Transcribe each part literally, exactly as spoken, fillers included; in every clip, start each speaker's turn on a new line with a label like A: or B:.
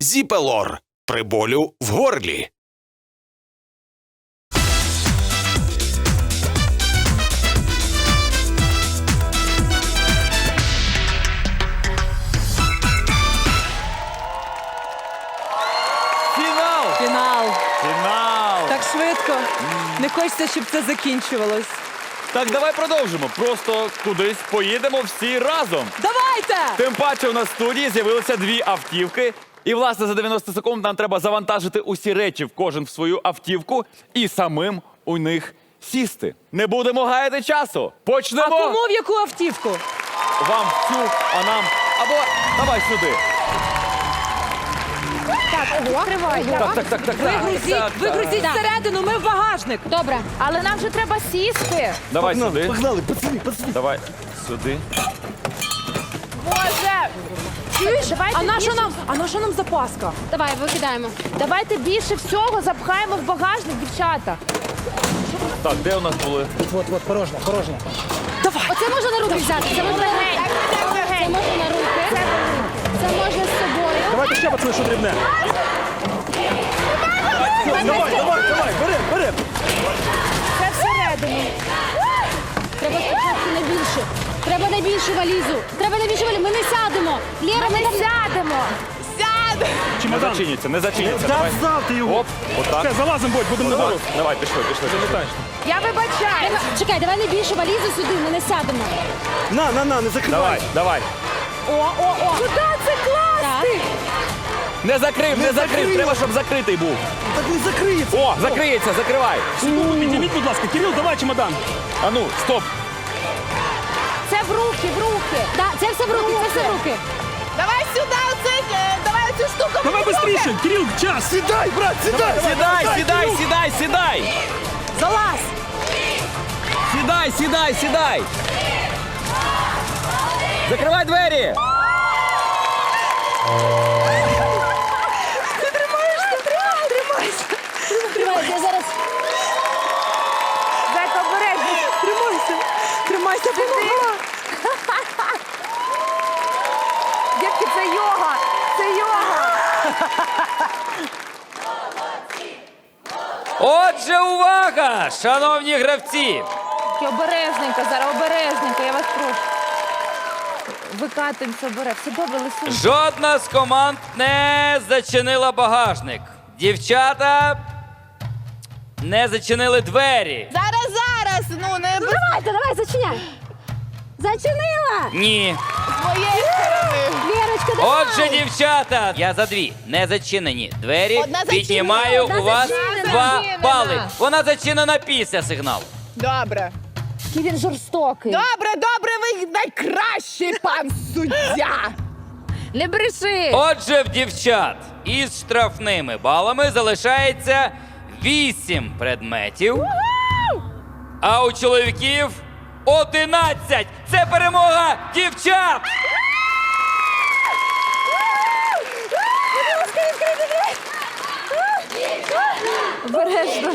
A: Зіпелор при болю в горлі.
B: Фінал!
C: Фінал.
B: Фінал!
C: Так швидко. Не хочеться, щоб це закінчувалось.
B: Так, давай продовжимо. Просто кудись поїдемо всі разом.
C: Давайте!
B: Тим паче у нас в студії з'явилися дві автівки. І, власне, за дев'яносто секунд нам треба завантажити усі речі в кожен в свою автівку і самим у них сісти. Не будемо гаяти часу.
C: А
B: Почнемо!
C: кому в яку автівку?
B: Вам в цю, а нам... Або давай сюди.
D: Відкривай.
B: Так, так, так, так.
C: Вигрузіть,
B: так,
C: вигрузіть
D: так.
C: всередину, ми в багажник.
D: Добре, але нам же треба сісти.
B: Давай сюди.
E: Погнали, пацани, пацани.
B: Давай сюди.
D: Боже! Чуєш? Давайте
C: А на що
D: більше-
C: нам? А на що нам запаска?
D: Давай, викидаємо. Давайте більше всього запхаємо в багажник, дівчата.
B: Так, де у нас були?
E: От, от, порожня, порожня.
C: Давай.
D: Оце можна на руки взяти. Це можна на руки. Це можна на руки. Це можна з собою.
E: Давайте ще, пацани, що дрібне. Давай, давай, давай, бери, бери.
D: Це всередину. Треба спочатку найбільше. Треба найбільшу валізу. Треба найбільшу валізу. Ми не сядемо. Лєра, ми не сядемо. Сядемо.
B: Не
E: Чемодан.
B: зачиняться, не зачиняться.
E: Та
B: Давай.
E: встав ти його.
B: Оп, отак.
E: Все, залазимо, Бодь, будемо на
B: Давай,
E: дорогу.
B: давай, пішли, пішли. пішли.
D: Я вибачаю. Чекай, давай найбільшу валізу сюди, ми не сядемо.
E: На, на, на, не закривай.
B: Давай, давай.
D: О, о, о. Куди це класти?
B: Не закрив, не,
E: Не
B: закрив.
E: закрив.
B: Треба, щоб закритий був.
E: Так не закриється.
B: О, закриється, закривай.
E: Секунду, підніміть, будь ласка. Кирил, давай чемодан.
B: А ну, стоп.
D: Це в руки, в руки. Да, це все в руки, це все в руки. Давай сюди, оце, давай цю штуку.
E: Давай швидше. Кирил, час. Сідай, брат, сідай.
B: Сідай, сідай, сідай, сідай.
C: Залазь!
B: Сідай, сідай, сідай. Закривай двері.
D: Тримай, я зараз. Зайка, обережно.
C: Тримайся! Тримайся, допомога!
D: Дітки, це йога. Це йога.
F: Отже, увага, шановні гравці!
D: Тільки обережненько, зараз обережненько, я вас прошу. Викатуємося обережно. Все добре, Лисунь.
F: Жодна з команд не зачинила багажник. Дівчата не зачинили двері.
D: Зараз, зараз, ну не без... Давайте, давай, зачиняй. Зачинила.
F: Ні.
D: З моєї сторони. Вірочка, давай.
F: Отже, дівчата, я за дві не зачинені двері.
D: Одна зачинена,
F: Піднімаю
D: одна
F: у вас
D: зачинена.
F: два
D: Зачинена.
F: бали. Вона зачинена після сигналу.
G: Добре.
D: Який він жорстокий.
G: Добре, добре, ви найкращий пан суддя.
D: Не бреши.
F: Отже, в дівчат із штрафними балами залишається вісім предметів, а у чоловіків одинадцять. Це перемога дівчат!
D: Обережно.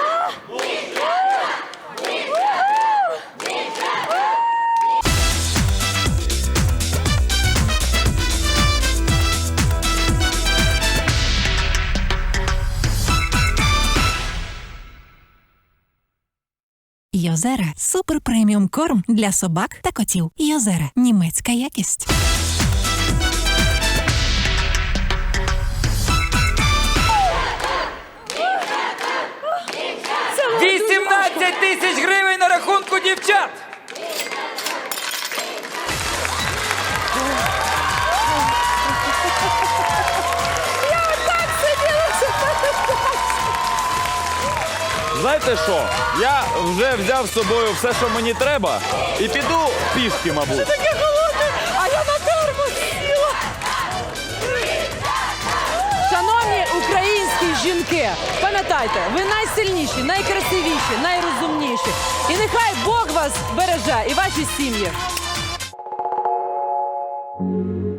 H: Йозера – супер преміум корм для собак та котів. Йозера – німецька якість.
F: вісімнадцять тисяч гривень на рахунку дівчат!
B: Знаєте що? Я вже взяв з собою все, що мені треба, і піду пішки, мабуть.
C: А я на термос сіла! Шановні українські жінки, пам'ятайте, ви найсильніші, найкрасивіші, найрозумніші. І нехай Бог вас береже і ваші сім'ї.